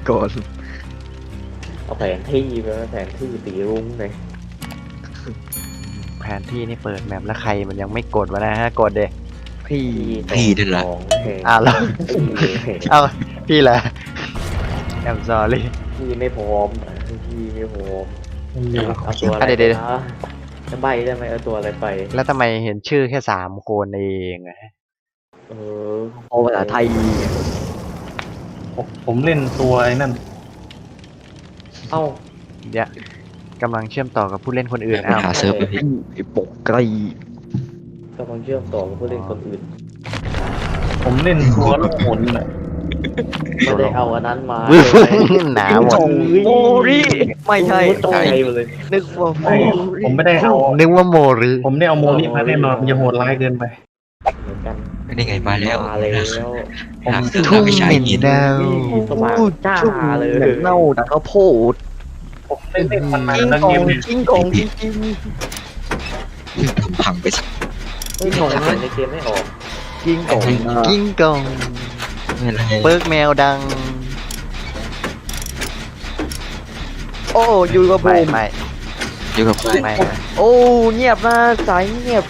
ก่อนเอาแผนที่ไปแผนที่สีรุ้งเลยแผนที่นี่เปิดแมปแล้วใครมันยังไม่กดวะนะฮะกดเดพี่พี่นั่นแหละแล้วเอาพี่แหละแอมซอรี่พี่ไม่พร้อมพี่ไม่พร้อมเดี๋ยวเอาตัวอะไรไปนะจะใบได้ไหมเอาตัวอะไรไปแล้วทำไมเห็นชื่อแค่3 คนเองอะเออโอภาษาไทยผมเล่นตัวไอ้นั่นเอ้าเดี๋ยวกำลังเชื่อมต่อกับผู้เล่นคนอื่นไปอ้าวหาเซิร์ฟเลยพี่ไอ้ปกไกลกำลังเชื่อมต่อกับผู้เล่นคนอื่นผมเล่นตัวลูกหมุนน่ะไม่ได้เอาอันนั้นมาหนาหมดโมริไม่ใช่ตกใจหมดเลยนึกว่าโมไม่ริผมไม่ได้เอานึกว่าโมริผมได้เอาโมนี่มาแน่นอนมันจะโหดร้ายเกินไปเหมือนกันนี่ไงมาแล้วมาแล้วหาเครื่องทุ่งไปเหใช้ม็นหินดาวสว่างจ้าเลยหมือนเน่าแต่ก็โพดผมเล่นมันนานจิ้งแล้วกอเกงมเนี่ยจิ้งกองจิ้งจิ้งทำพังไปสักเฮ้ยของมันในเกมไม่ออกจิ้งกองกิ้งกองไม่เป็นไรเปิร์กแมวดังโอ้อยู่กับบูไม่มไม่อยู่กับไม่โอ้เงียบนะสายเงียบ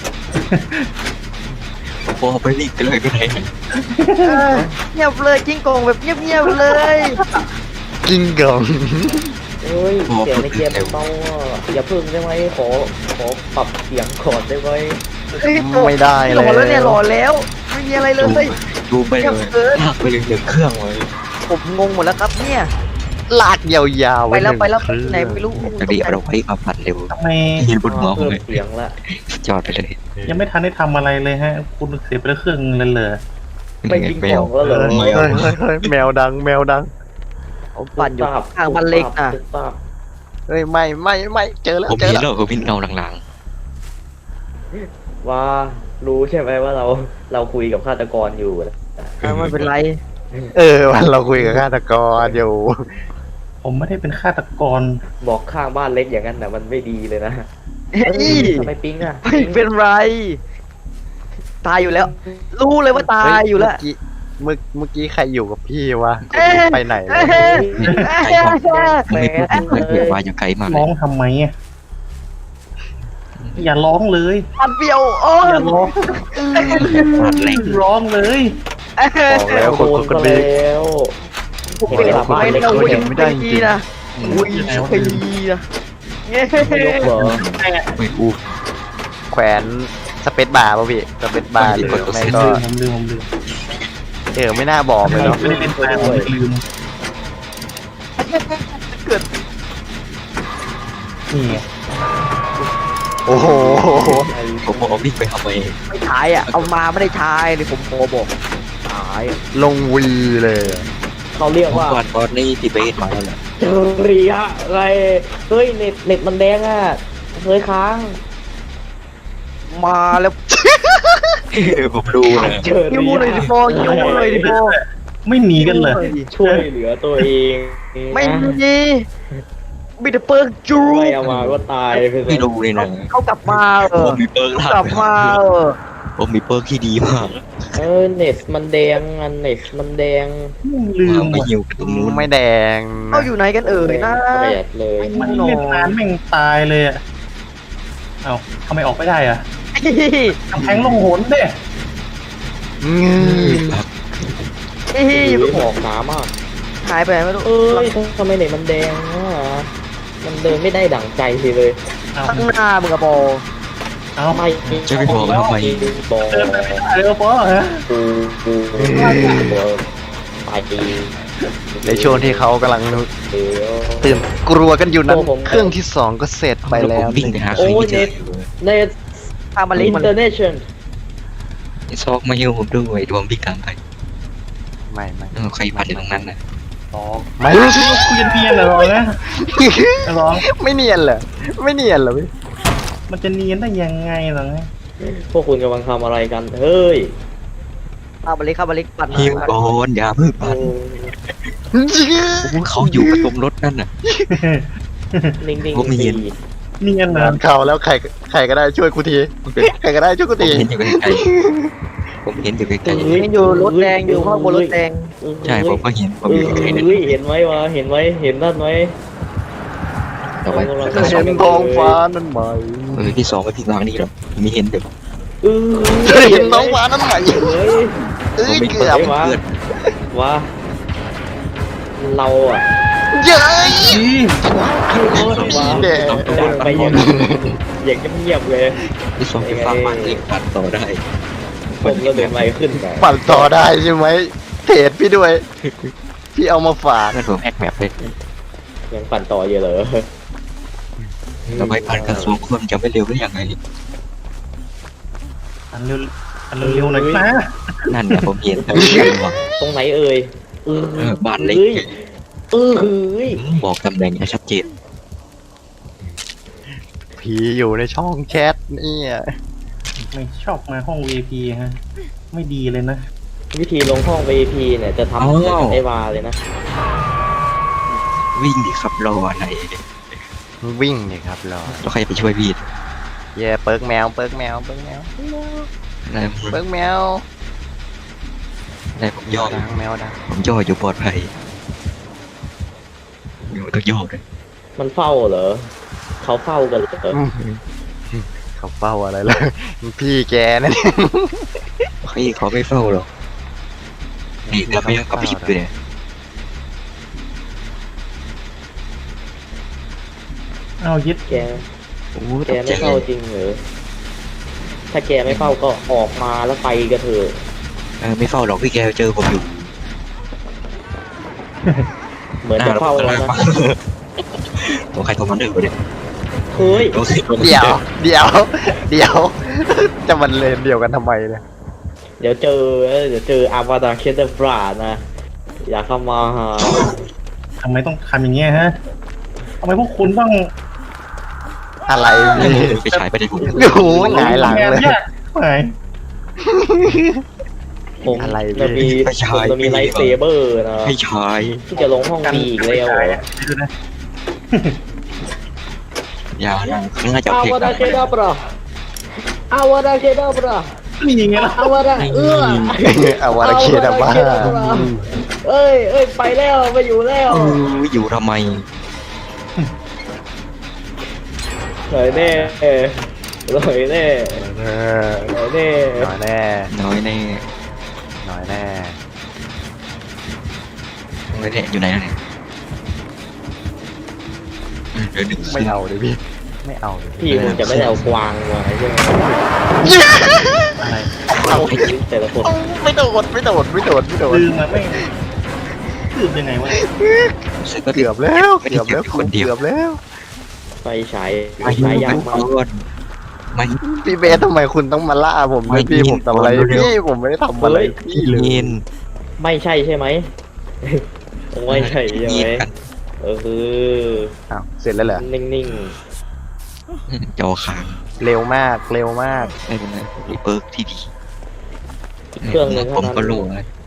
โอ้ไปรีบกันเลยก็ได้เงียบเลยจิ้งกองแบบเงียบๆเลยกิ้งกองเฮ้ยเสียงในเกมเบาอ่ะอย่าพึ่งได้ไหมขอปรับเสียงก่อนได้ไหมไม่ได้หเลล่อแล้วเนี่ยหล่อแล้วไม่มีอะไรเลยดูไปเลยลากไปเลย1 เครื่องเลยผมงงหมดแล้วครับเนี่ยลากยาวๆไปแล้วไปแล้วหนึ่งไหนไม่รู้จะดีเอาไว้มาผัดเร็วทำไมหินบนหัวผเพิ่มมเลยเสียงละจอดไปเลยยังไม่ทันได้ทำอะไรเลยฮะ คุณเสียไปแล้วเครื่องเลยเหรอไม่ยิงของแล้วเหรอเฮ้ยเฮ้ยแมวดังแมวดังผมปั่นอยู่ข้างบ้านเล็กนะเฮ้ยไม่เจอแล้วผมเจอเห็นแล้วแล้วผมเห็นเงาหลังว่ารู้ใช่ไหมว่าเราคุยกับฆาตกรอยู่นะไม่เป็นไรวันเราคุยกับฆาตกรอยู่ผมไม่ได้เป็นฆาตกรบอกข้างบ้านเล็กอย่างนั้นนะมันไม่ดีเลยนะเฮ้ยทำไมปิ๊งอ่ะไม่เป็นไร ตายอยู่แล้ว รู้เลยว่าตายอยู่แล้วเมื่อกี้ใครอยู่กับพี่วะเอ๊ะไปไหนแล้วๆไม่พูดเลยว่าอย่าไกลมากเลร้อย งทำไมอ่ะอย่าร้องเลยมันเปรี้ยวโอ้อย่าร้องผัดแรงร้องเลยบอกแล้วคนโดนคนมานี้แล้วผมเป็นหลับไปนะเขาอุ้ยเห็นไม่ได้จริงนะอุ้ยปีนะเงี้ยไม่ยกเหรอไม่อู้แขวนสเปซบาร์ป่ะพี่สเปซบาร์หรือไม่ก็ผมลืมไม่น่าบอกเลยเนาะไม่ได้เล่นตายผมลืมนี่ไงโอ้โหผมบอกวิ่งไปทำไมไม่ถ่ายอ่ะ เอามาไม่ได้ถ่ายเลยผมโทรบอกถ่ายลงวีเลยเขาเรียกผมว่าก่อนบอสนี่ติเบสมาแล้วแหละเจอรียะอะไรเฮ้ยเน็ตมันแดงอ่ะเคยค้างมาแล้วผมดูนะเจอยิ้รีมเลยดิยะโฟยิ้มเลยดิโฟไม่หนีกันเลยช่วยเหลือตัวเองไม่มีมีแต่เปิร์กจูไม่เอามาก็ตายไปไม่ดูเลยนะเขากลับมาผมมีเปิร์กกลับมาผมมีเปิร์กที่ดีมากเน็ตมันแดงอันเน็ตมันแดงลืมไปว่ะหิวตรงนู้นไม่แดงเขาอยู่ไหนกันเอ่ยนะแปดเลยมันเล่นนานแม่งตายเลยอ่ะเอ้าทำไมออกไม่ได้อ่ะกำแพงลงหนเด้เฮ้ยหอกหนามากหายไปไหนไม่รู้เอ้ยทำไมเน็ตมันแดงอ่ะมันเดินไม่ได้ดั่งใจเลยเอ้าข้างหน้ามึงกระโปเอ้าไม่จะไปบอกทำไมบอกเดินไปไม่ได้เลยปอฮะกูตายดีในช่วงที่เขากำลังเดี๋ยวตื่นกลัวกันอยู่นั้นเครื่องที่2ก็เสร็จไปแล้ววิ่งไปหาใครไม่เจอเน็ตข้ามมาเล็กอินมันเตอร์เนชั่นซอกมาหิวผมด้วยดวงพิการไปไม่ใครผัดอยู่ตรงนั้นนะไม่คุยกันเพี้ยนเหรอนะร้องไม่เนียนเหรอไม่เนียนเหรอพี่มันจะเนียนได้ยังไงเหรอพวกคุณกำลังทำอะไรกันเฮ้ยข้ามมาเล็กปั่นหิวก่อนอย่าเพิ่งผัดเขาอยู่กับตรงรถนั่นน่ะนิ่งผมเห็นเนียนเหรองานข่าวแล้วใครก็ได้ช่วยกูทีใครก็ได้ช่วยกูทีเห็นอยู่ไกลผมเห็นอยู่ไกลยังอยู่รถแดงอยู่ข้างบนรถแดงๆใช่ผมก็เห็นผมอยู่ไกลๆนั่นเห็นไหมวะเห็นไหมเห็นนั่นไหมต่อไปเห็นท้องฟ้านั่นไหมที่สองไม่ผิดวางนี่หรอกมีเห็นเดี๋ยวเห็นท้องฟ้านั่นไหมเฮ้ยเอ้ยไม่เกืเปิดอบเพื่อนว่าเราอ่ะเย้ยว่าแดงจากไปอย่างเงียบๆเลยที่สองไปฟังมันเองปัดต่อได้ผมก็เดินไวขึ้นไปปั่นต่อได้ใช่ไหมเทรดพี่ด้วย พี่เอามาฝากนั่นผมแฮกแมปเลยยังปั่นต่ออยู่เหรอต่อไปปั่นกันสองคนจะไม่เร็วได้ยังไงอันเร็วหน่อยนะนั่นเนี่ยผมเห็นแต่ไม่รู้ว่าตรงไหนเอ่ยบ้านเล็กเฮ้ยบอกตำแหน่งให้ชัดเจนผีอยู่ในช่องแชทเนี่ยไม่ชอบมาห้อง VIP ฮะไม่ดีเลยนะวิธีลงห้อง VIP เนี่ยจะทำเหมือนกับไอวาเลยนะวิ่งดิครับรออะไรวิ่งเลยครับรอแล้วใครจะไปช่วยพี่เย่เปิร์กแมวเปิร์กแมวเปิร์กแมวอะไรเปิร์กแมวอะไรผมย่อดังแมวดังผมย่ออยู่ปลอดภัยอยู่ต้องย่อเลยมันเฝ้าเหรอเขาเฝ้ากันเหรอเขาเฝ้าอะไรเลยพี่แกนั่นใครเขาไม่เฝ้าหรอกนี่เราไม่ยังกับพี่อยู่เนี่ยเอายึดแกโอ้แกตกใจไม่เฝ้าจริงเหรอถ้าแกไม่เฝ้าก็ออกมาแล้วไปกันเถอะไม่เฝ้าหรอกพี่แกเจอผมอยู่เหมือนจะเฝ้าแล้วนะตัวใครตัวมันเดือดเนี่ยเฮ้ยเดี๋ยวเดี๋ยวเดี๋ยว จะมันเลนเดียวกันทำไมเนี่ยเดี๋ยวเจออาวาดาเคเดฟรานะ อย่าเข้ามาหาทำไมต้องทำอย่างเงี้ยฮะทำไมพวกคุณต้องอะไรพี่ไปฉายไปในผมโอ้โหหงายหลังเลยยากไหนผมอะไรจะมีผมจะมีไลท์เซเบอร์นะให้ฉายที่จะลงห้องบีอีกแล้วเหรอดูนะอย่าน่าจะอาเพลงวาดาเคเดฟราอาวาดาเคเดฟรานี่ไงล่ะอาวาดาอาวาราเคดาบ้าเอ้ยไปแล้วไปอยู่แล้วอยู่ทำไมหน่อยแน่หน่อยแน่เออหน่อยแน่หน่อยแน่น้อยแน่หน่อยแน่น้อยแน่อยู่ไหนแล้วเนี่ยเดี๋ยวหนึ่งไม่เอาเลยพี่ไม่เอาเลยพี่ผมจะไม่ได้เอากวางมาใช่ไหมอะไรเอาแต่ละคนไม่โดดไม่โดดไม่โดดไม่โดดลืมมาไม่ลืมยังไงวะเกือบแล้วเกือบแล้วคนเดียวเกือบแล้วไฟฉายยากมากไม่พี่เบสทำไมคุณต้องมาล่าผมด้วยพี่ผมทำอะไรพี่ผมไม่ได้ทำอะไรพี่เลยเย็นไม่ใช่ใช่ไหม ไม่ใช่ใช่ไหมคืออ้าวเสร็จแล้วเหรอนิ่งจอค้างเร็วมากเร็วมากไม่เป็นไรมีเปิร์กที่ดีๆเครื่องนึงผมก็รู้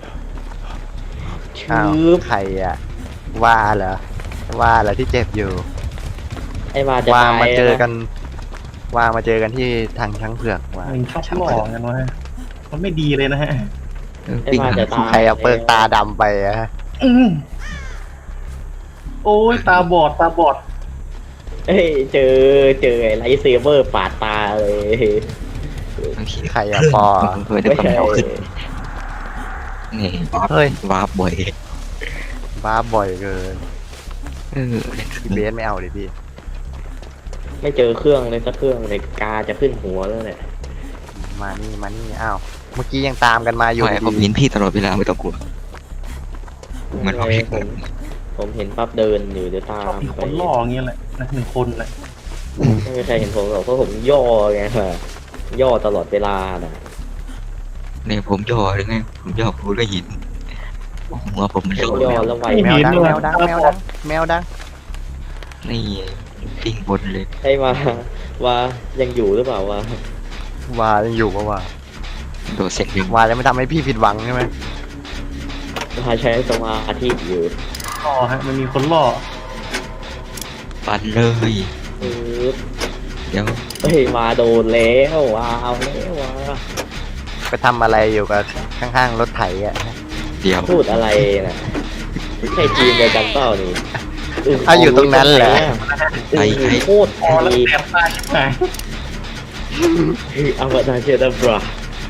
อ้าวชืบใครอะว่าเหรอว่าเหรอที่เจ็บอยู่ไอ้มาจะว่าตายมาเจอกันะนว่ามาเจอกันที่ทางช้างเผือกว่ามันชอบหลอกกันวะมันไม่ดีเลยนะฮะปิ้งหาใครเอาเปิกตาดำไปอะอืมโอ้ยตาบอดตาบอดเอ้ยเจอไอ้ไลท์เซเบอร์ปาดตาเลยใครอะปอเพื่อจะไม่ทำใช่ให้เอาขึ้นนี่เฮ้ยวาร์ปบ่อยบ้าบ่อยเกินเออพี่เบสไม่เอาเลยพี่ไม่เจอเครื่องเลยสักเครื่องเลยกาจะขึ้นหัวแล้วเนี่ยมานี่มานี่อ้าวเมื่อกี้ยังตามกันมาอยู่ไม่ผมดีเห็นพี่ตลอดเวลาไม่ต้องกลัวเหมือนเราเห็นผมเห็นปั๊บเดินอยู่เดี๋ยวตาชอบมมีคไปนล่ออย่างเงี้ยแหละนะหนึ่งคนแหละไม่มีใครเห็นผมหรอกเพราะผมย่อไงย่อตลอดเวลาน่ะเนี่ยผมย่อหรือไงผมย่อพูดก็หินหัวผมมันย่อย่อแล้วไวแมวดังแมวดังแมวดังแมวดังนี่ปิ้งบนเลยให้มาว่ายังอยู่หรือเปล่าวะว่ายังอยู่ปะว่าโดดเสร็จยังว่าจะไม่ทำให้พี่ผิดหวังใช่ไหมว่าใช้สมาธิอยู่ล่อฮะมันมีคนล่อปันเลยปึ๊บเดี๋ยวเฮ้ยมาโดนแล้วว้าวแล้วว้าไปทำอะไรอยู่กับข้างๆรถไถอ่ะเดี๋ยวพูดอะไรนะใช่ทีมเดียวกันเปล่านี่เอาอยู่ตรงนั้นแหละโคตรพอแล้วดีแสบตาชิบหายอวตารเคดับรา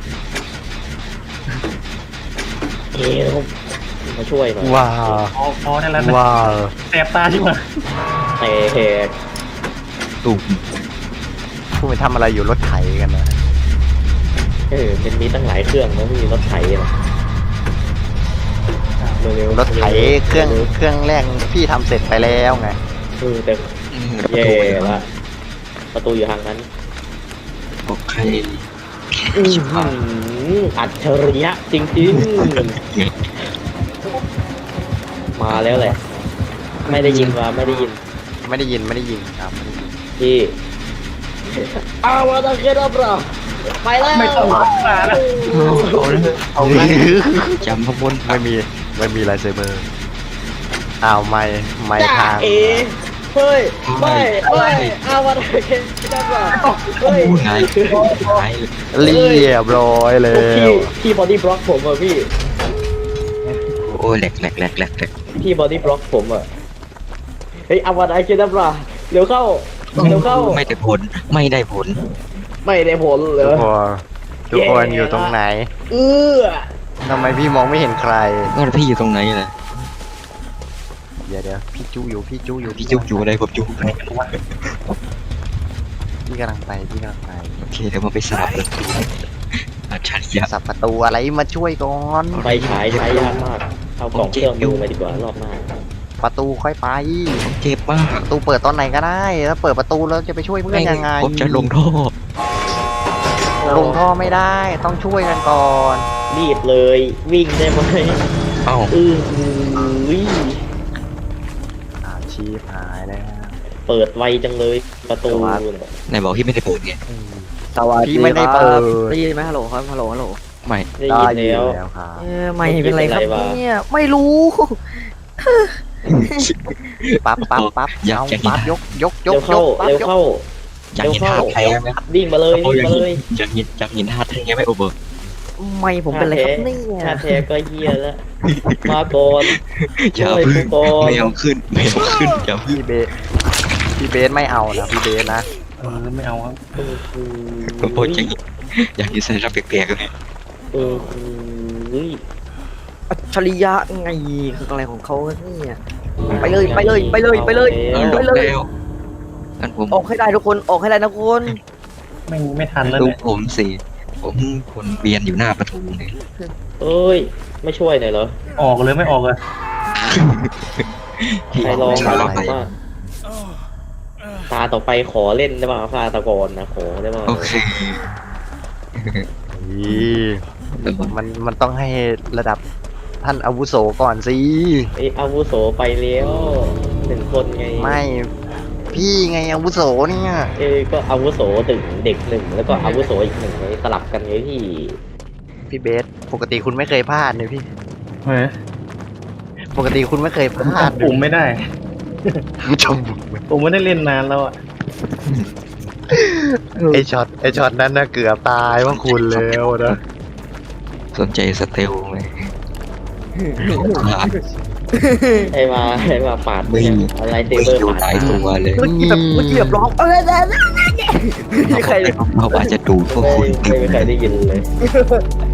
เอ๋มาช่วยหน่อยว้าวพอได้แล้วนะว้าวแสบตาชิบหายเตะแหกตุ่มคุณไปทำอะไรอยู่รถไถกันนะเป็นมีตั้งหลายเครื่องนะพี่รถไถนะเร็วๆรถไถเครื่องแรกพี่ทำเสร็จไปแล้วไงแต่ประแย่ตูเลยละประตูอยู่ทางนั้นโอเคอัจฉริยะจริงๆ มาแล้วแหละ ไม่ได้ยินว่าไม่ได้ยินไม่ได้ยินครับไม่ได้ยินพี่อาวตารเคดับราไปแล้วไม่ต้องมาแล้วเอาเลยจำขบวนไม่มีไลท์เซเบอร์อ้าวไม่จ้าทางเอเฮ้ยไม่อาวตารเคดับราเฮ้ยพูดไงไงเรียบร้อยแล้พี่วบอดี้บล็อกผมอ่ะพี่โอ้ยแหลกพี่บอดี้บล็อกผมอ่ะเฮ้ยอาวตารเคดับราเร็วเข้าไม่ได้ผลไม่ได้ผลไม่ได้ผลเหรทุกอคนอยู่ตรงไหนเอื้อทำไมพี่มองไม่เห็นใครงั้นพี่อยู่ตรงไหนล่ะเดี๋ยวพี่จู้อยู่พี่จุกอยู่อะไรผมจุกพี่กำลังไปโอเคเดี๋ยวมาไปสลับเลยอัจฉริยะสับประตูอะไรมาช่วยก่อนไฟฉายใช้ยากมาก เอากล่องเครื่องมือมาดีกว่ารอบหน้าประตูค่อยไปเจ็บมากประตูเปิดตอนไหนก็ได้ถ้าเปิดประตูแล้วจะไปช่วยเพื่อนยังไงผมจะลงท่อลงท่อไม่ได้ต้องช่วยกันก่อนรีบเลย วิ่งได้ไหมเอ้าวิ่งชีพหายแล้วเปิดไวจังเลยประตูไหนบอกพี่ไม่ได้เปิดไงสวัสดีพี่ไม่ได้คเปิรับดได้ยินไหมฮัลโหลครับฮัลโหลฮัลโหลไม่ได้ได้ยินยินแล้วแล้วครับไม่เป็นไรครับไม่เป็นไรวะเนี่ยไม่รู้ปั๊บเอาปั๊บยกเร็วเข้าปั๊บเร็วเข้าอยากเห็นท่าแท้ไหมวิ่งมาเลยวิ่งมาเลยอยากเห็นท่าแท้ไหมโอเบอร์ไม่ผมเป็นไรครับเนี่ยชาแท้ก็เฮียแล้ว มาก่อนอย่าช่วยพึ่กูงก่อนไม่เอาขึ้นอย่าพึ่งพี่เบสไม่เอานะพี่เบสนะไม่เอาครับผมบอกอยากเห็นสัญลักษณ์แปลกๆเลยอัจฉริยะไงคืออะไรของเขาเนี่ยไปเลยไปเลยไปเลยไปเลยเอาลไปงเลยแล้วงั้นผมออกให้ได้ทุกคนออกให้ได้นะคุณไม่ทันแล้วดูเนี่ยผมสิผมคนเวียนอยู่หน้าประตูเลยเอ้ย ไม่ช่วยหน่อยเหรอออกเลยไม่ออกเลยที่ใครลองไม่มาไปว่าตาต่อไปขอเล่นได้ป่ะฟาตะกอนนะขอได้ป่ะโอเคมันต้องให้ระดับท่านอาวุโสก่อนสิไอ้อาวุโสไปแล้ว1 คนไงไม่พี่ไงอาวุโสเนี่ยก็อาวุโสเด็ก 1แล้วก็อาวุโสอีก 1ไงสลับกันไงพี่พี่เบสปกติคุณไม่เคยพลาดเลยพี่เฮ้ยปกติคุณไม่เคยพลาดจำปุ่มไม่ได้จมผมไม่ได้เล่นนานแล้วอ่ะไอช็อตนั้นน่ะเกือบตายว่าคุณแล้วนะสนใจสเตลไหมให้มาปาดไม่อะไรเซไม่เบอร์อยู่ปาดหลายตัวเลยเมื่อกี้แบบร้องใครเขาอาจจะดูดพวกคุณไม่มีใครได้ยินเลย